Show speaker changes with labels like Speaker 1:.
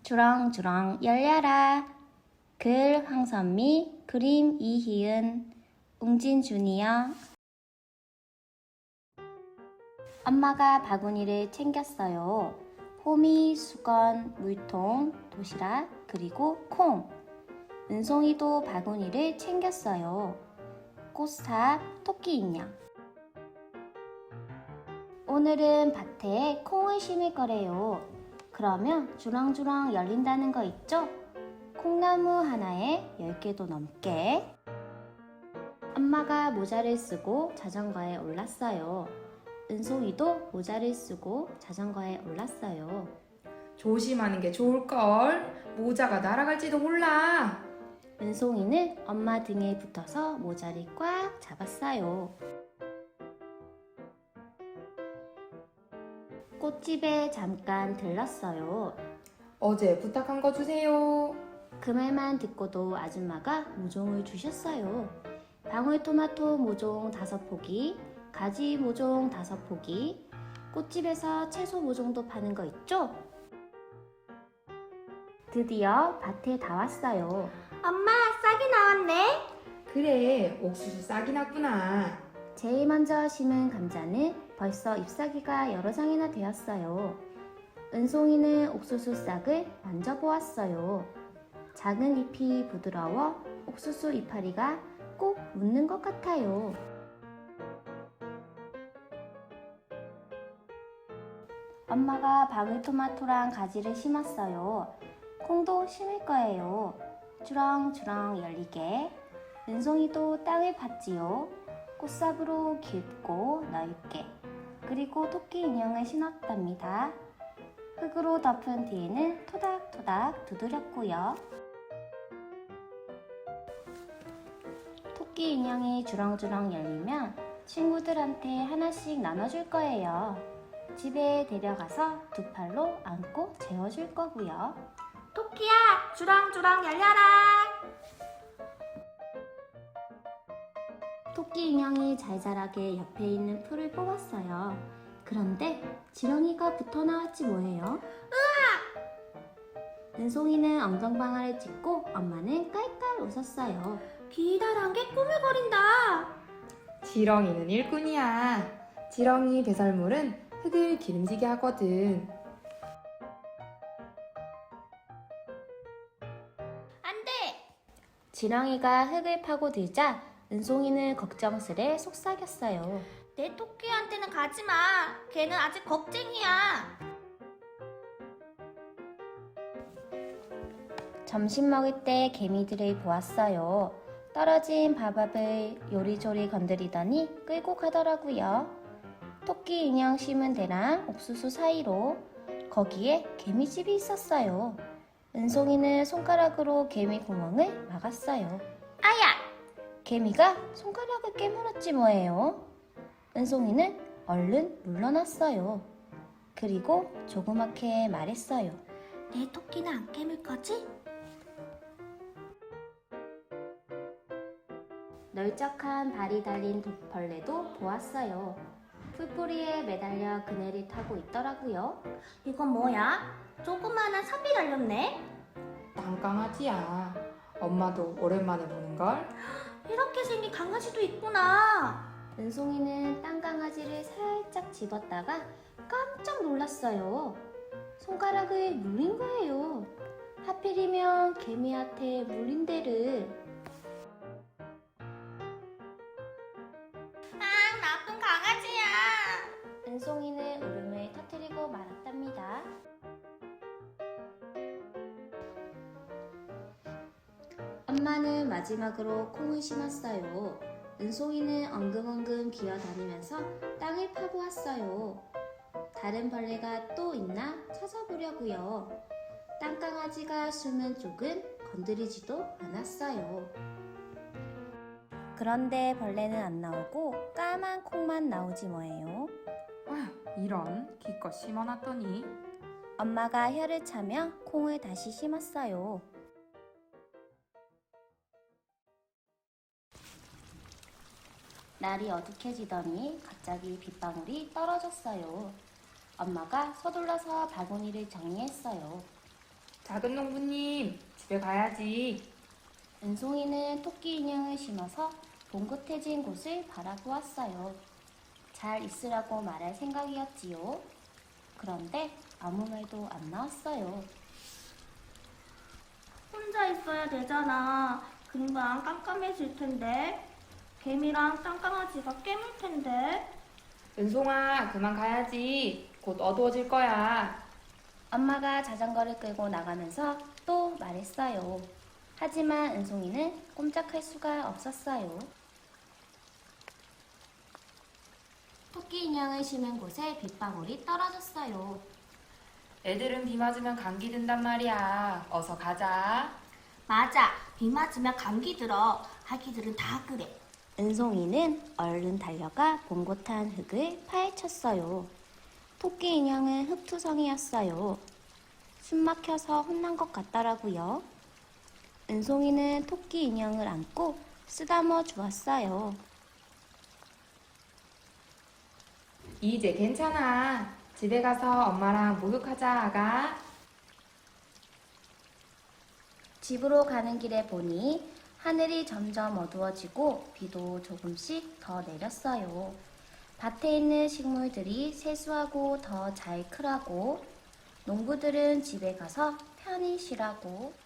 Speaker 1: 주렁주렁 열려라. 글 황선미, 그림 이희은, 웅진 주니어. 엄마가 바구니를 챙겼어요. 호미, 수건, 물통, 도시락, 그리고 콩. 은송이도 바구니를 챙겼어요. 꽃삽, 토끼 인형. 오늘은 밭에 콩을 심을 거래요. 그러면 주렁주렁 열린다는 거 있죠? 콩나무 하나에 10개도 넘게. 엄마가 모자를 쓰고 자전거에 올랐어요. 은송이도 모자를 쓰고 자전거에 올랐어요.
Speaker 2: 조심하는 게 좋을걸. 모자가 날아갈지도 몰라.
Speaker 1: 은송이는 엄마 등에 붙어서 모자를 꽉 잡았어요. 꽃집에 잠깐 들렀어요.
Speaker 2: 어제 부탁한 거 주세요.
Speaker 1: 그 말만 듣고도 아줌마가 모종을 주셨어요. 방울토마토 모종 5포기, 가지 모종 5포기, 꽃집에서 채소 모종도 파는 거 있죠? 드디어 밭에 다 왔어요.
Speaker 3: 엄마, 싹이 나왔네.
Speaker 2: 그래, 옥수수 싹이 났구나.
Speaker 1: 제일 먼저 심은 감자는 벌써 잎사귀가 여러 장이나 되었어요. 은송이는 옥수수 싹을 만져보았어요. 작은 잎이 부드러워 옥수수 이파리가 꼭 묻는 것 같아요. 엄마가 방울토마토랑 가지를 심었어요. 콩도 심을 거예요. 주렁주렁 열리게. 은송이도 땅을 팠지요. 꽃삽으로 깊고 넓게. 그리고 토끼 인형을 신었답니다. 흙으로 덮은 뒤에는 토닥토닥 두드렸고요. 토끼 인형이 주렁주렁 열리면 친구들한테 하나씩 나눠줄 거예요. 집에 데려가서 2팔로 안고 재워줄 거고요.
Speaker 3: 토끼야, 주렁주렁 열려라.
Speaker 1: 토끼 인형이 잘 자라게 옆에 있는 풀을 뽑았어요. 그런데 지렁이가 붙어 나왔지 뭐예요? 은송이는 엉덩방아를 찍고 엄마는 깔깔 웃었어요.
Speaker 3: 기다란 게 꾸물거린다.
Speaker 2: 지렁이는 일꾼이야. 지렁이 배설물은 흙을 기름지게 하거든.
Speaker 3: 안 돼.
Speaker 1: 지렁이가 흙을 파고들자 은송이는 걱정스레 속삭였어요.
Speaker 3: 내 토끼한테는 가지 마. 걔는 아직 겁쟁이야.
Speaker 1: 점심 먹을 때 개미들을 보았어요. 떨어진 밥밥을 요리조리 건드리더니 끌고 가더라고요. 토끼 인형 심은 데랑 옥수수 사이로 거기에 개미집이 있었어요. 은송이는 손가락으로 개미 구멍을 막았어요.
Speaker 3: 아야!
Speaker 1: 개미가 손가락을 깨물었지 뭐예요. 은송이는 얼른 물러났어요. 그리고 조그맣게 말했어요.
Speaker 3: 내 토끼는 안 깨물 거지?
Speaker 1: 널쩍한 발이 달린 벌레도 보았어요. 풀뿌리에 매달려 그네를 타고 있더라고요.
Speaker 3: 이건 뭐야? 조그마한 삽이 달렸네.
Speaker 2: 땅강아지야. 엄마도 오랜만에 보는걸?
Speaker 3: 이렇게 생긴 강아지도 있구나.
Speaker 1: 은송이는 땅강아지를 살짝 집었다가 깜짝 놀랐어요. 손가락을 물린 거예요. 하필이면 개미한테 물린 데를.
Speaker 3: 아, 나쁜 강아지야.
Speaker 1: 은송이는 울음을 터뜨리고 말았답니다. 엄마는 마지막으로 콩을 심었어요. 은송이는 엉금엉금 기어다니면서 땅을 파보았어요. 다른 벌레가 또 있나 찾아보려고요. 땅강아지가 숨은 쪽은 건드리지도 않았어요. 그런데 벌레는 안 나오고 까만 콩만 나오지 뭐예요.
Speaker 2: 아휴, 이런 기껏 심어놨더니.
Speaker 1: 엄마가 혀를 차며 콩을 다시 심었어요. 날이 어둑해지더니 갑자기 빗방울이 떨어졌어요. 엄마가 서둘러서 바구니를 정리했어요.
Speaker 2: 작은 농부님, 집에 가야지.
Speaker 1: 은송이는 토끼 인형을 심어서 봉긋해진 곳을 바라보았어요. 잘 있으라고 말할 생각이었지요. 그런데 아무 말도 안 나왔어요.
Speaker 3: 혼자 있어야 되잖아. 금방 깜깜해질 텐데. 개미랑 땅강아지가 깨물 텐데.
Speaker 2: 은송아, 그만 가야지. 곧 어두워질 거야.
Speaker 1: 엄마가 자전거를 끌고 나가면서 또 말했어요. 하지만 은송이는 꼼짝할 수가 없었어요. 토끼 인형을 심은 곳에 빗방울이 떨어졌어요.
Speaker 2: 애들은 비 맞으면 감기 든단 말이야. 어서 가자.
Speaker 3: 맞아. 비 맞으면 감기 들어. 아기들은 다 그래.
Speaker 1: 은송이는 얼른 달려가 봉고탄 흙을 파헤쳤어요. 토끼 인형은 흙투성이였어요. 숨 막혀서 혼난 것 같더라고요. 은송이는 토끼 인형을 안고 쓰다머 주었어요.
Speaker 2: 이제 괜찮아. 집에 가서 엄마랑 목욕하자, 아가.
Speaker 1: 집으로 가는 길에 보니 하늘이 점점 어두워지고 비도 조금씩 더 내렸어요. 밭에 있는 식물들이 세수하고 더 잘 크라고, 농부들은 집에 가서 편히 쉬라고,